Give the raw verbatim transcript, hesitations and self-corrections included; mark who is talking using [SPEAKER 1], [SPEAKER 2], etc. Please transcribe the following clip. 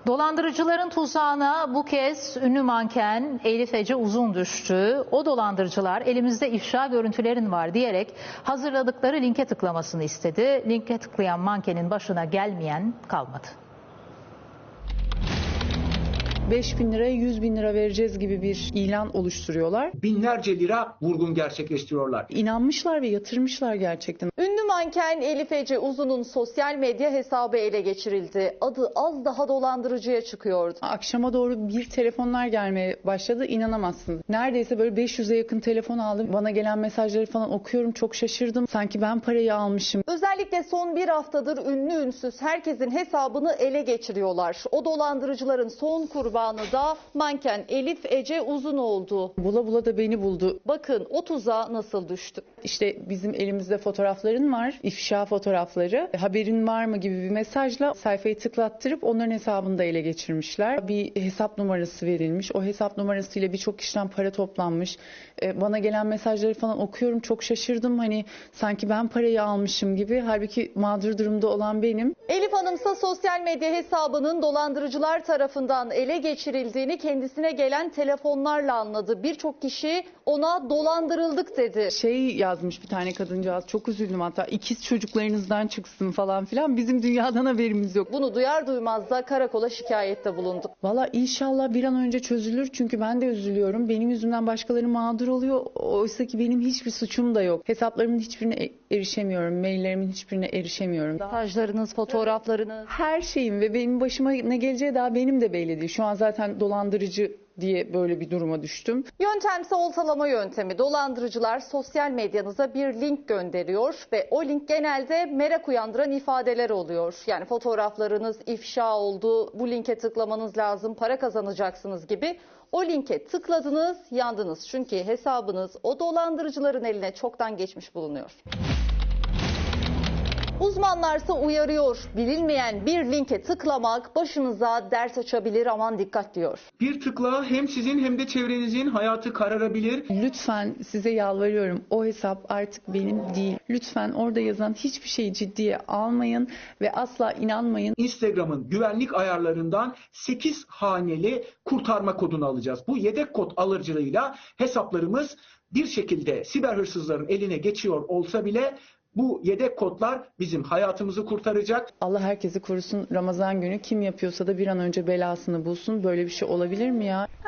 [SPEAKER 1] Dolandırıcıların tuzağına bu kez ünlü manken Elif Ece Uzun düştü. O dolandırıcılar elimizde ifşa görüntülerin var diyerek hazırladıkları linke tıklamasını istedi. Linke tıklayan mankenin başına gelmeyen kalmadı.
[SPEAKER 2] beş bin liraya yüz bin lira vereceğiz gibi bir ilan oluşturuyorlar.
[SPEAKER 3] Binlerce lira vurgun gerçekleştiriyorlar.
[SPEAKER 2] İnanmışlar ve yatırmışlar gerçekten.
[SPEAKER 4] Ünlü manken Elif Ece Uzun'un sosyal medya hesabı ele geçirildi. Adı az daha dolandırıcıya çıkıyordu.
[SPEAKER 2] Akşama doğru bir telefonlar gelmeye başladı, inanamazsınız. Neredeyse böyle beş yüze yakın telefon aldım. Bana gelen mesajları falan okuyorum, çok şaşırdım. Sanki ben parayı almışım.
[SPEAKER 4] Özellikle son bir haftadır ünlü ünsüz herkesin hesabını ele geçiriyorlar. O dolandırıcıların son kurbanı da manken Elif Ece Uzun oldu.
[SPEAKER 2] Bula bula da beni buldu.
[SPEAKER 4] Bakın o tuzağa nasıl düştü.
[SPEAKER 2] İşte bizim elimizde fotoğrafların var, ifşa fotoğrafları. Haberin var mı gibi bir mesajla sayfayı tıklattırıp onların hesabını da ele geçirmişler. Bir hesap numarası verilmiş. O hesap numarasıyla birçok kişiden para toplanmış. Bana gelen mesajları falan okuyorum, çok şaşırdım. Hani sanki ben parayı almışım gibi. Halbuki mağdur durumda olan benim.
[SPEAKER 4] Elif Hanımsa sosyal medya hesabının dolandırıcılar tarafından ele geçirildiğini kendisine gelen telefonlarla anladı. Birçok kişi ona dolandırıldık dedi.
[SPEAKER 2] Şey yazmış bir tane kadıncağız, çok üzüldüm hatta, ikiz çocuklarınızdan çıksın falan filan, bizim dünyadan haberimiz yok.
[SPEAKER 4] Bunu duyar duymaz da karakola şikayette bulundu.
[SPEAKER 2] Valla inşallah bir an önce çözülür, çünkü ben de üzülüyorum. Benim yüzümden başkaları mağdur oluyor. Oysa ki benim hiçbir suçum da yok. Hesaplarımın hiçbirine erişemiyorum, maillerimin hiçbirine erişemiyorum.
[SPEAKER 4] Mesajlarınız, fotoğraflarınız.
[SPEAKER 2] Her şeyim ve benim başıma ne geleceği daha benim de belli değil. Şu an zaten dolandırıcı diye böyle bir duruma düştüm.
[SPEAKER 4] Yöntemse oltalama yöntemi. Dolandırıcılar sosyal medyanıza bir link gönderiyor ve o link genelde merak uyandıran ifadeler oluyor. Yani fotoğraflarınız ifşa oldu, bu linke tıklamanız lazım, para kazanacaksınız gibi. O linke tıkladınız, yandınız. Çünkü hesabınız o dolandırıcıların eline çoktan geçmiş bulunuyor. Uzmanlarsa uyarıyor. Bilinmeyen bir linke tıklamak başınıza dert açabilir, aman dikkat diyor.
[SPEAKER 3] Bir tıkla hem sizin hem de çevrenizin hayatı kararabilir.
[SPEAKER 2] Lütfen size yalvarıyorum, o hesap artık benim değil. Lütfen orada yazan hiçbir şeyi ciddiye almayın ve asla inanmayın.
[SPEAKER 3] Instagram'ın güvenlik ayarlarından sekiz haneli kurtarma kodunu alacağız. Bu yedek kod alıcılığıyla hesaplarımız bir şekilde siber hırsızların eline geçiyor olsa bile bu yedek kodlar bizim hayatımızı kurtaracak.
[SPEAKER 2] Allah herkesi korusun. Ramazan günü kim yapıyorsa da bir an önce belasını bulsun. Böyle bir şey olabilir mi ya?